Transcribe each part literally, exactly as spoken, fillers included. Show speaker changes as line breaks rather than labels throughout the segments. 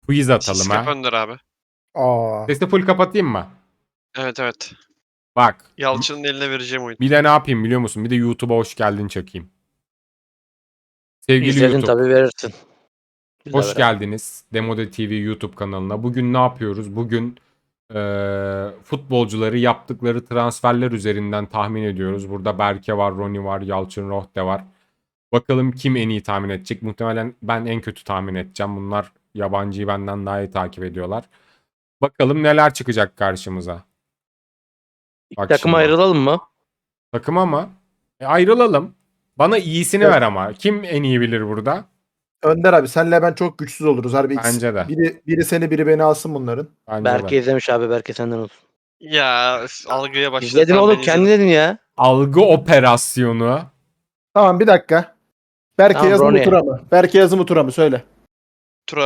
Quiz atalım
Siskap
ha.
Önder abi.
Aa.
Sesi full kapatayım mı?
Evet evet.
Bak.
Yalçın'ın eline vereceğim oyun.
Bir de ne yapayım biliyor musun? Bir de YouTube'a hoş geldin çakayım. Sevgili
İzledin
YouTube.
tabii verirsin. Bizle
Hoş
beraber.
geldiniz Demode T V YouTube kanalına. Bugün ne yapıyoruz? Bugün eee, futbolcuları yaptıkları transferler üzerinden tahmin ediyoruz. Burada Berke var, Roni var, Yalçın Rohde var. Bakalım kim en iyi tahmin edecek? Muhtemelen ben en kötü tahmin edeceğim. Bunlar yabancıyı benden daha iyi takip ediyorlar. Bakalım neler çıkacak karşımıza. Bak
Takım
şimdi.
ayrılalım mı?
Takıma mı? E, ayrılalım. Bana iyisini
Evet.
ver ama. Kim en iyi bilir burada?
Önder abi senle ben çok güçsüz oluruz harbi. ikisi-
Bence de.
Biri, biri seni biri beni alsın bunların.
Bence
Berke
de.
izlemiş abi. Berke senden olsun.
Ya üf, algıya başladı.
İzledin
Tamam,
oğlum.
ben
Kendi
izledim.
dedin ya.
Algı operasyonu.
Tamam bir dakika. Berke
Tamam,
yazı mı
Ronnie.
tura mı? Berke yazı mı tura mı söyle.
Tura.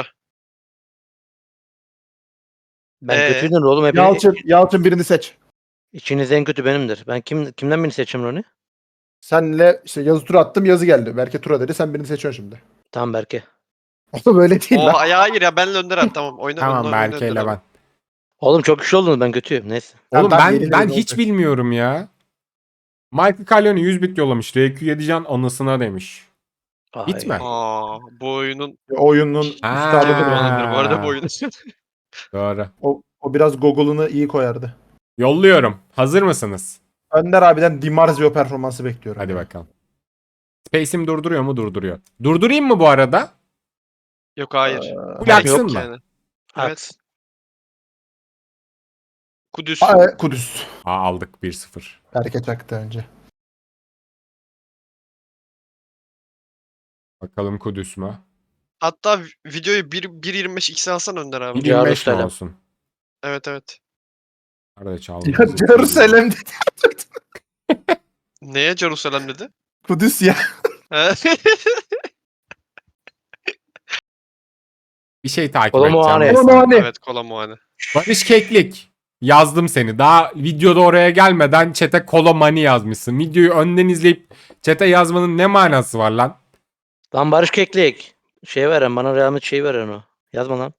Ben
Ee?
kötüydün oğlum. Hep
Yalçın, Yalçın birini seç.
İçiniz en kötü benimdir. Ben kim kimden birini seçeyim Roni?
Senle işte yazı tura attım yazı geldi. Berke tura dedi sen birini seçiyorsun şimdi.
Tamam Berke.
O böyle değil
O
lan.
ya hayır ya benle Önder abi tamam. Oyna,
Tamam
oyna, oyna
Berke
Önder
ile
abi.
ben.
Oğlum çok güçlü oldunuz. Ben kötüyüm. Neyse.
Oğlum
Tamam,
ben
yeni
ben
yeni
hiç
olacak.
bilmiyorum ya. Michael Caglioni yüz bit yollamış. R Q yedi can anısına demiş.
Ay.
Bitme.
Aa, bu oyunun
Oyunun
Aa.
üstadıdır o.
kullanılır bu arada bu oyun.
Doğru.
o. O biraz Google'ını iyi koyardı.
Yolluyorum. Hazır mısınız?
Önder abiden Di Marzio performansı bekliyorum.
Hadi bakalım. Space'im durduruyor mu? Durduruyor. Durdurayım mı bu arada?
Yok hayır.
Ee,
Bu
Gerek
yaksın
yok
mı?
yani.
At.
Evet. Kudüs.
Aa, Kudüs.
Aa, aldık bir sıfır.
Berke çaktı önce.
Bakalım Kudüs mü?
Hatta videoyu bir- bir yirmi beş x'e alsan Önder abi.
bir yirmi beş mi
Jerusalem.
olsun?
Evet evet.
Nerede çaldı?
Ya Jerusalem dedi.
Neye Jerusalem dedi?
Kudüs ya.
He?
Bir şey takip
Kolomuhane.
edeceğim.
Kolomuhane.
Evet kola muhane.
Barış Keklik. Yazdım seni. Daha videoda oraya gelmeden chat'e Kolomani yazmışsın. Videoyu önden izleyip chat'e yazmanın ne manası var lan?
Lan Barış Keklik. Şey veren bana Real Madrid şeyi veren o. Yazma lan.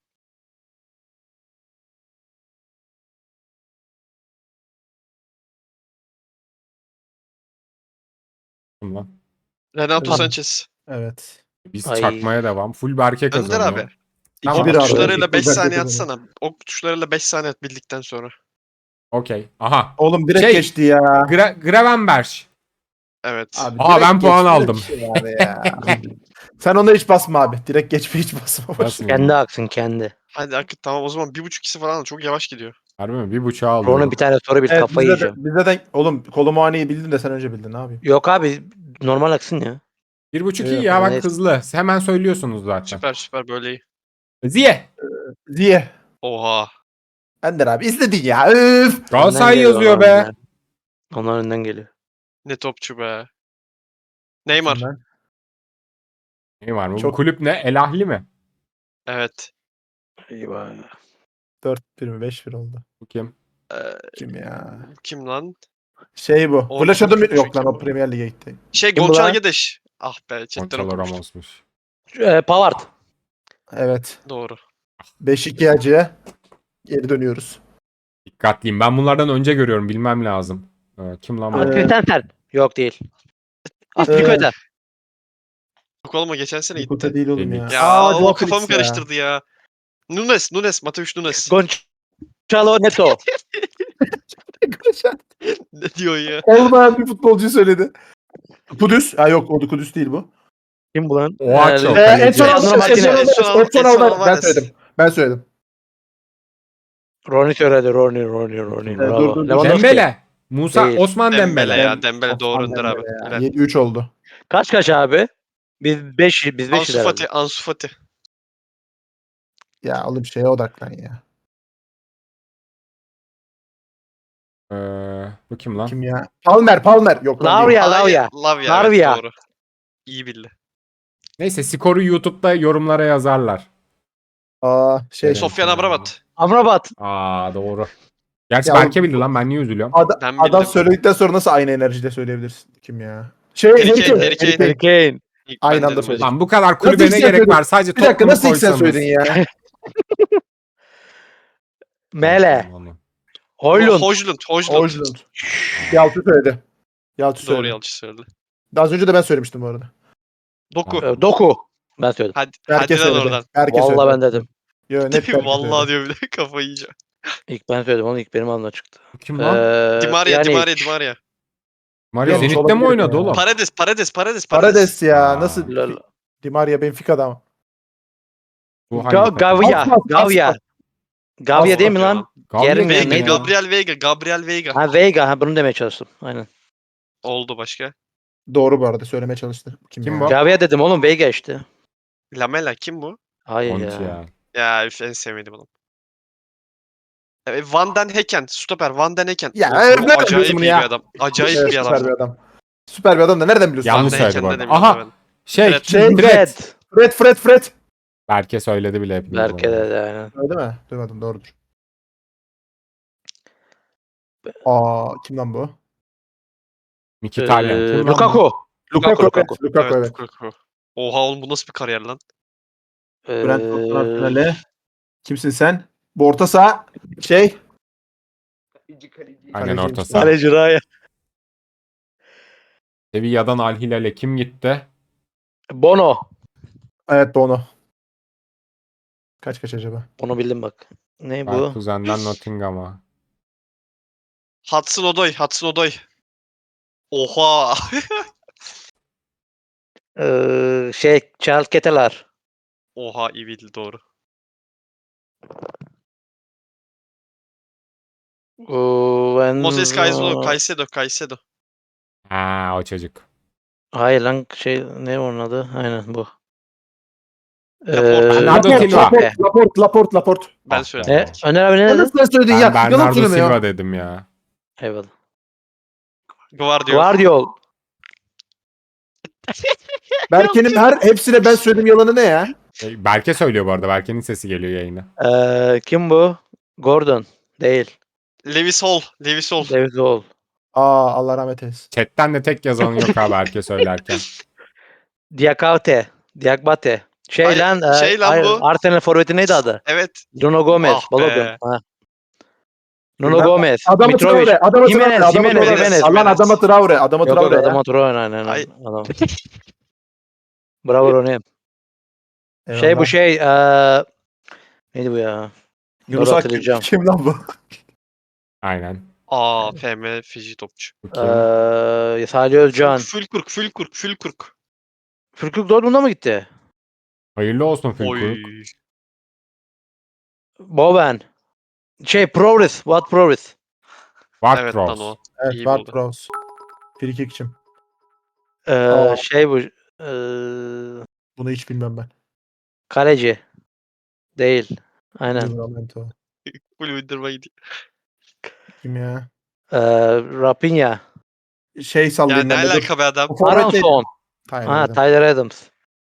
Kim lan?
Renato
Abi.
Sanchez.
Evet.
Biz
Ay.
çakmaya devam. Full Berke
Önder
kazanıyor.
abi.
Tamam.
bir
Ok
abi.
tuşlarıyla beş
İki
saniye
dakika
atsana. Ok tuşlarıyla beş saniye at bildikten sonra.
Okey. Aha.
Oğlum direkt
Şey-
geçti ya.
Gra Gravenberch.
Evet.
Abi,
Aa,
direkt
ben puan
geçti
aldım.
bir şey abi ya. Sen ona hiç basma abi. Direkt geçme hiç basma.
Basmıyorum.
Kendi aksın kendi.
Hadi akıt tamam o zaman bir buçuk ikisi falan çok yavaş gidiyor.
Harbi mi? Bir buçuğa alıyorum.
Roni bir tane soru bil
Evet,
kafayı
bize de,
yiyeceğim.
bize de oğlum Kolomuhane'yi bildin de sen önce bildin ne yapayım?
Yok abi normal aksın ya.
Bir buçuk iyi
Evet,
ya bak
neyse.
hızlı. Hemen söylüyorsunuz zaten.
Süper süper böyle iyi.
Ziye.
Ziye.
Oha.
Ender abi izledin ya. Üf.
Galatasaray
Önden geliyor
yazıyor
onlar
be.
önden. Onlar önden geliyor.
Ne topçu be. Neymar.
Ben-
Ne var mı? Bu
Çok-
kulüp ne? El Ahli mi?
Evet.
Eyvah.
dört bir mi beş bir oldu.
Bu kim?
Ee,
Kim ya?
kim lan?
Şey bu.
O-
Flash adım
çok
yok lan
kim
o
bu?
Premier Lig'e gitti.
Şey
Kim bu
Gonçalo
lan?
Guedes. Ah be chatten
Gonçalo
okumuştum.
Ramos'muş.
Ee, Pavard.
Evet.
Doğru.
beş iki acıya geri dönüyoruz.
Dikkatliyim. Ben bunlardan önce görüyorum. Bilmem lazım. Ee, kim lan bu?
Ee,
Aspilicueta. Yok değil.
Ee,
Aspilicueta.
Yok oğlum o geçen sene
Nikuta
gitti.
değil oğlum ya.
Felix.
Ya
Aa,
o
Joao
kafamı
Felix ya.
karıştırdı ya. Nunes, Nunes, Mateus Nunes.
Gonçalo Neto.
Ne diyor ya?
Olmayan bir futbolcuyu söyledi. Kudüs. Ha yok o da Kudüs değil bu.
Kim bu lan?
Oha, çok.
Ee,
Kaleci.
Edson
Edson
Alvarez.
Martinez.
Edson
Edson
Alvarez. Edson
Edson
Alvarez. Ben
Alvarez.
söyledim. Ben söyledim.
Roni söyledi. Roni, Roni, Roni.
Ee,
Bravo.
dur, dur, dur.
Lewandowski.
Dembele. Musa
Değil.
Osman Dembele.
Dembele ya.
Dem-
Dembele doğru Önder abi. Helal.
yedi üç oldu.
Kaç kaç abi? Biz beş biz beş
Ansu Fati, Ansu Fati.
Ya oğlum şeye odaklan ya.
Ee, bu kim lan?
Kim ya? Palmer, Palmer. Yok lan değil.
Lavia, Lavia.
Ay, Lavia.
Lavia.
Evet, doğru. İyi bildi.
Neyse skoru YouTube'da yorumlara yazarlar.
Aa şey.
Evet.
Sofyan Amrabat.
Amrabat.
Aa doğru. Gerçi
Ya
Berke
oğlum-
bildi lan, ben niye üzülüyorum?
Ada-
Ben
adam
bildim.
söyledikten sonra nasıl aynı enerjide söyleyebilirsin? Kim ya? Şey,
Harry
Harry
Kane,
Kane,
Harry
Harry
Kane.
Harry Kane.
İlk
Aynı
ben
anda
dedim
söyledik.
hocam.
Lan bu kadar kulübe
Nasıl
ne
ilk sen
gerek var?
söyledin?
Sadece
Bir dakika
Tottenham'ı
nasıl ilk sen
koysanız.
söyledin ya?
Mele.
Onu.
Hoylund.
Hojlund. Hojlund.
Hojlund. Yalçın söyledi. Yalçın
Doğru
söyledi.
yanlış söyledi.
Az önce de ben söylemiştim bu arada.
Doku.
Ee, Doku. Ben söyledim.
Hadi,
Berke
hadi lan
söyledi.
oradan.
Berke söyledi.
Vallahi ben dedim.
Yo, net Berke
Vallahi
söyledi.
diyor bir de kafayı yiyeceğim.
İlk ben söyledim onu ilk benim ağzımdan çıktı.
Kim lan?
Ee,
Di Maria, Di
yani
Maria, Di Maria.
Mario
Yok,
Zenit'te mi
olabilir
oynadı
ya.
oğlum?
Paredes, Paredes, Paredes,
Parades ya.
Aa.
Nasıl?
Lol.
Di Maria Benfica'da ama.
Bu hangi
Ga
takım?
Gavia.
Aspas,
Gavia.
Aspas.
Gavia değil mi
Aspas
lan?
ya.
Gavia
Yerin
kim
ya,
Veiga,
neydi?
ya?
Gabriel Veiga, Gabriel Veiga.
Ha Veiga. Ha bunu demeye çalıştım. Aynen.
Oldu başka.
Doğru bu arada. Söylemeye çalıştı. Kim,
Kim
ya?
bu?
Gavia dedim oğlum Veiga işte.
Lamela kim bu?
Hayır
Monti
ya.
ya.
Ya üf, en sevmediğim adam. Evet, Van den Hecken, stoper Van den Hecken.
Ya,
Of,
evet,
bu
nereden
acayip
biliyorsun
iyi
bunu ya?
bir adam. Acayip
Evet,
bir
süper
adam.
bir adam. Süper bir adam da nereden biliyorsun?
Yanlış
Van
söyledi
den
bu
Hecken'de
arada.
demiyorum
Aha
ben.
şey
Fred.
Şey,
Fred.
Fred, Fred, Fred.
Berke söyledi bile hepimiz.
Berke
onu.
de aynen.
Öyle mi? Duymadım, doğrudur. Aa, kim lan bu?
Mkhitaryan.
Ee,
Kim lan bu?
Lukaku.
Lukaku,
Lukaku.
evet. Lukaku, evet.
Lukaku. Oha oğlum bu nasıl bir kariyer lan?
Brentford
Ee,
finali. Kimsin sen? Bu orta saha şey.
Aynen
Kaleciymiş
orta
lan.
saha.
Kaleci Raya.
Sevilla'dan Al Hilal'e kim gitti?
Bono.
Evet, Bono. Kaç kaç acaba?
Onu bildim bak. Ne bu?
Leverkusen'den Nottingham'a.
Hudson Odoi, Hudson Odoi. Oha.
Ee, şey Charles Keteler.
Oha iyi bildi doğru.
Oo, ben...
Moses Caicedo, Caicedo, Caicedo.
Ha o çocuk.
Hayır lan şey ne onun adı? Aynen bu.
Laporte.
Bernardo
Laporte.
Silva.
Laporte, Laporte, Laporte, Laporte.
Ben
Ah
söyledim.
be.
Ne? Öner abi ne
Ya
dedi?
nasıl sen söyledin
Ben
ya? Yalan
Bernardo
söyleme
Silva
ya.
dedim ya.
Eyvallah.
Guardiola.
Guardiol.
Berke'nin her hepsine ben söyledim yalanı ne ya?
E, Berke söylüyor bu arada. Berke'nin sesi geliyor yayına.
Ee, kim bu? Gordon. Değil.
Lewis Hall, Lewis Hall.
David Wall.
Aa, Allah rahmet eylesin.
Chatten de tek yazan yok abi Berke söylerken.
Diakate. Diakbate. Şey
Ay,
lan.
şey
e,
lan
ay-
bu.
Arsenal forveti neydi adı?
Evet.
Nuno Gomez.
Ah be.
Balogun. Ha. Nuno
Bilmem.
Gomez.
Adamı
Mitrovic.
Traore, adamı
Jimenez,
Traore, adamı
Jimenez,
Traore.
Jimenez.
Allah'ın adamı Traore, adamı
Yok yok
Traore ya.
adama Troy aynen aynen.
Ay.
Adam. Bravo Ronnie. Şey
Eyvallah.
bu şey. eee neydi bu ya?
Yunus
Doğru
Akgün
hatırlayacağım.
kim lan bu?
Aynen.
Aa F M Fiji topçu.
Bu kim?
Eee Salih Özcan.
Fülkurk, Fülkurk, Fülkurk.
Fürkük Dortmund'a mı gitti?
Hayırlı olsun
Oy.
Fülkuruk.
Bowen. Şey Progress. What Progress?
Ward
Evet lan
Prowse.
o.
Evet,
İyi
Ward
buldu.
Prowse. Frikikçim.
Eee
Aa.
şey bu. Eee
Bunu hiç bilmem ben.
kaleci. Değil. Aynen.
Livramento.
Full uydurma gidiyor.
Kim ya?
Eee Rapinha.
Şey
Ya
sallayayım
ne
ben de. dur.
alaka be adam?
Bu forvet değil.
Aronson.
Tyler
Ha
Adams.
Tyler Adams.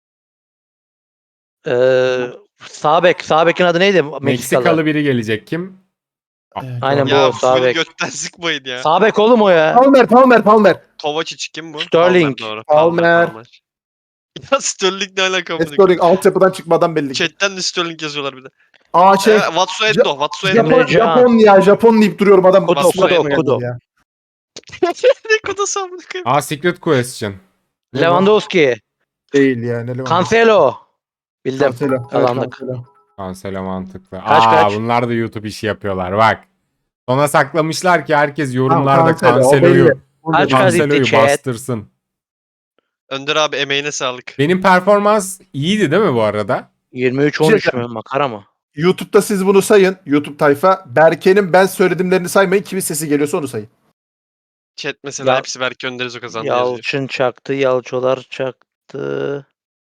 Eee sağ bek. Sağ bekin adı neydi? Meksikalı.
Meksikalı biri gelecek kim?
Evet,
Aynen
doğru.
bu.
Ya
sağ
full
bek.
götten sıkmayın ya.
Sağ bek oğlum o ya.
Palmer, Palmer, Palmer.
Kovacic kim bu?
Sterling.
Palmer doğru.
Palmer.
Palmer. Ya Sterling ne alaka bu?
Sterling altyapıdan çıkmadan belli ki.
Chatten de Sterling yazıyorlar bir de.
Aa şey.
Ee, Watsuendo, Watsuendo.
Japon,
Emre Can.
Japon ya, Japon deyip duruyorum adam.
Kudo,
Basura
Kudo,
aklıma gelmedi
Kudo.
ya.
Ne kadar samını koyayım.
Aa Secret Question. Ne bu?
Lewandowski.
Değil ya. Ne Lewandowski?
Cancelo. Bildim.
Cancelo. Evet,
Kazandık.
Cancelo.
Cancelo mantıklı.
Kaç,
Aa
kaç?
bunlar da YouTube işi yapıyorlar bak. Sona saklamışlar ki herkes
Tamam,
yorumlarda
Cancelo, o
Cancelo'yu
belli. Bunu
Kaç
da-
kaç
Cancelo'yu
gitti chat?
bastırsın.
Önder abi emeğine sağlık.
Benim performans iyiydi değil mi bu arada?
yirmi üç
Bir
on
şey
üç mü? Makara mı?
YouTube'da siz bunu sayın. YouTube tayfa. Berke'nin ben söyledimlerini saymayın. Kimin sesi geliyorsa onu sayın.
Chat mesela
Ya-
hepsi belki Önder'iz o kazandı yazıyor.
Yalçın çaktı. Yalçolar çaktı.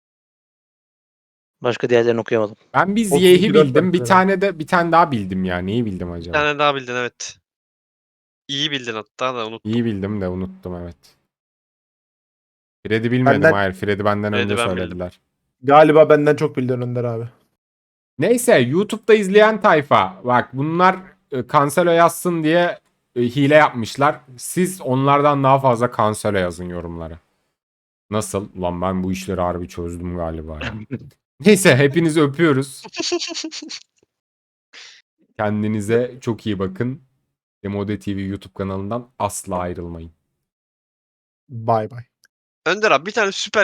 Başka diğerlerini okuyamadım.
Ben bir
otuz
Ziyeh'i
dört
bildim. Bir
dakika.
tane de bir tane daha bildim ya. Neyi bildim
Bir
acaba?
tane daha bildin evet. İyi bildin hatta da unuttum.
İyi bildim de unuttum evet. Fred'i bilmedim
Benden-
hayır. Fred'i benden
Fred'i
önce
ben bildim.
söylediler.
Galiba benden çok bildin Önder abi.
Neyse YouTube'da izleyen tayfa. Bak bunlar e, Cancelo yazsın diye e, hile yapmışlar. Siz onlardan daha fazla Cancelo yazın yorumlara. Nasıl? Ulan ben bu işleri harbi çözdüm galiba ya. Neyse hepinizi öpüyoruz. Kendinize çok iyi bakın. Demode T V YouTube kanalından asla ayrılmayın.
Bay bay.
Önder abi bir tane süper